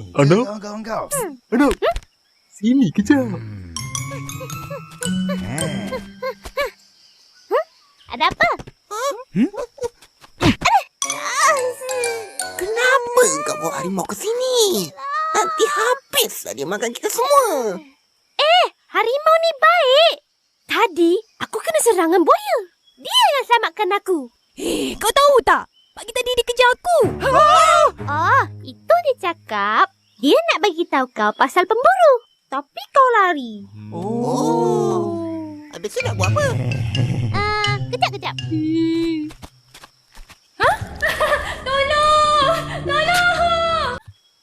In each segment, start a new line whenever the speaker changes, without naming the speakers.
Anak,
kawan-kawan kau.
anak. Sini kejap.
Ada apa?
Kenapa kau bawa harimau ke sini? Nanti habislah dia makan kita semua.
Harimau ni baik. Tadi aku kena serangan buaya. Dia yang selamatkan aku.
Kau tahu tak? Pagi tadi dia kejar aku.
Oh, itu dia cakap. Dia nak bagi tahu kau pasal pemburu. Tapi kau lari.
Habis tu nak buat apa?
Kejap.
Tolong!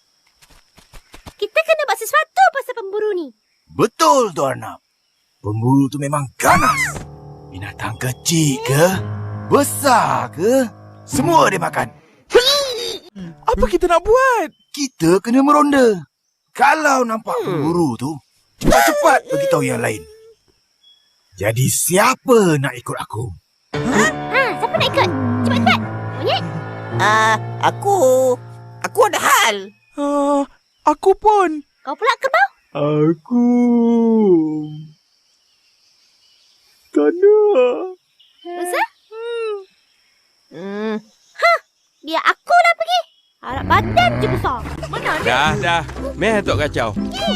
Kita kena buat sesuatu pasal pemburu ni.
Betul tu Arnab. Pemburu tu memang ganas. Binatang kecil ke? Besar ke? Semua dia makan.
Apa kita nak buat?
Kita kena meronda. Kalau nampak pemburu tu, cepat-cepat beritahu yang lain. Jadi siapa nak ikut aku?
Siapa nak ikut? Cepat-cepat. Monyet.
Aku ada hal.
Aku pun.
Kau pula kerbau.
Aku. Tak nak.
Musa? Biar aku lah pergi. Harap badan je besar. Mana ada?
Dah. Meh tok kacau.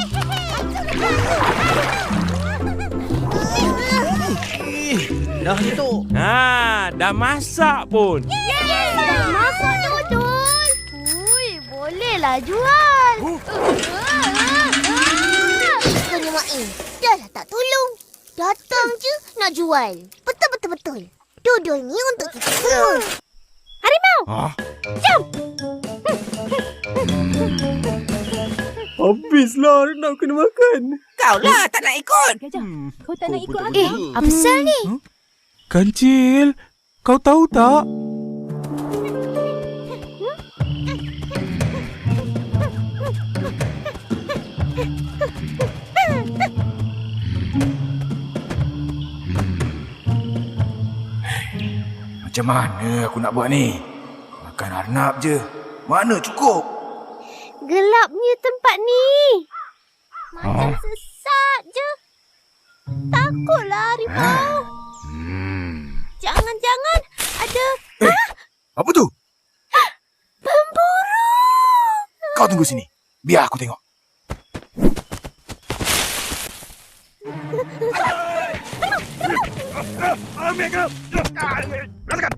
Dah tu.
Dah masak pun.
Dah masak dah betul. Ui, bolehlah jual. Bukannya Main. Dah lah tak tolong. Datang je nak jual. Betul. Dodol ni untuk kita semua. Harimau! Jom!
Habislah nak kena makan.
Kau lah tak nak ikut.
Gajah, kau tak nak ikut aku?
Apa pasal ni?
Kancil, kau tahu tak?
Macam mana aku nak buat ni? Makan Arnab je. Mana cukup?
Gelapnya tempat ni. Macam sesat je. Takutlah harimau. Jangan-jangan ada
Apa tu?
pemburu.
Kau tunggu sini. Biar aku tengok. Ambil kau. Rasakan.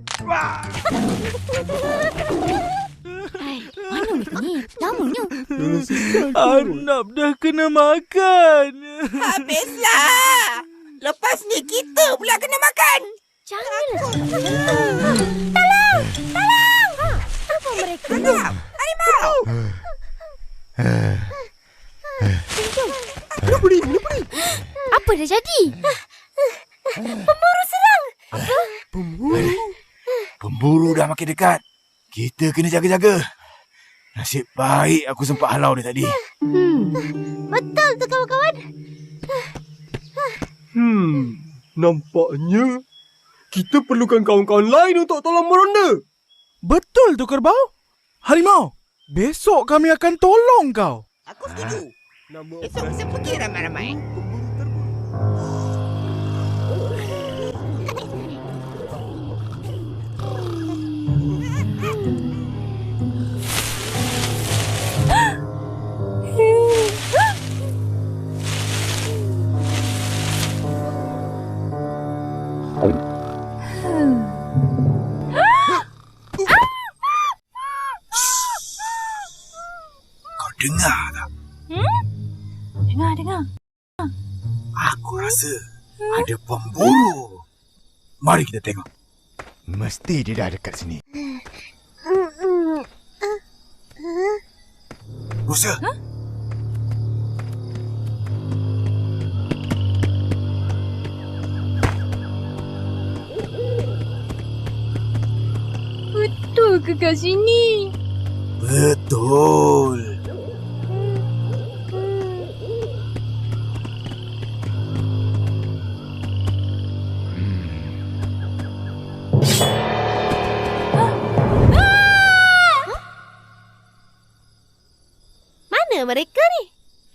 Mana mereka ni? Lamanya.
Arnab dah kena makan.
Habislah. Lepas ni kita pula kena makan.
Janganlah. Tolong! Apa mereka?
Arnab, harimau.
Apa dah jadi? Pemburu serang.
Pemburu dah makin dekat. Kita kena jaga-jaga. Nasib baik aku sempat halau dia tadi.
Betul tu kawan-kawan.
Nampaknya kita perlukan kawan-kawan lain untuk tolong meronda. Betul tu kerbau. Harimau, besok kami akan tolong kau.
Aku setuju. Esok kita pergi ramai-ramai.
Kau dengar tak?
Dengar.
Aku rasa ada pemburu. Mari kita tengok. Mesti dia dah dekat sini. Musa.
Betul ke kat sini?
Betul.
Mana mereka ni?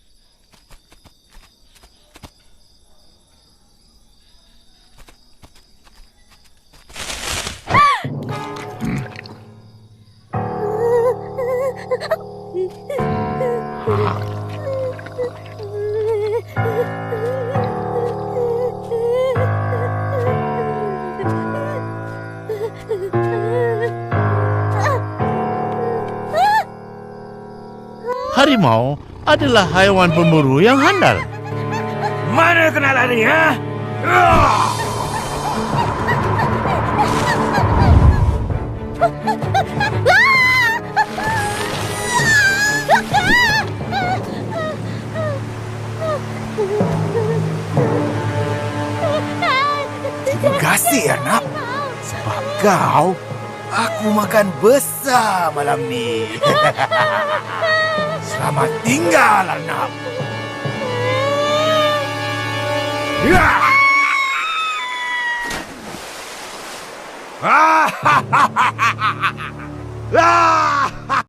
Harimau adalah haiwan pemburu yang handal.
Mana kena lari, ha? Terima kasih, anak. Sebab kau, aku makan besar malam ni. Selamat tinggal, anak. Ah!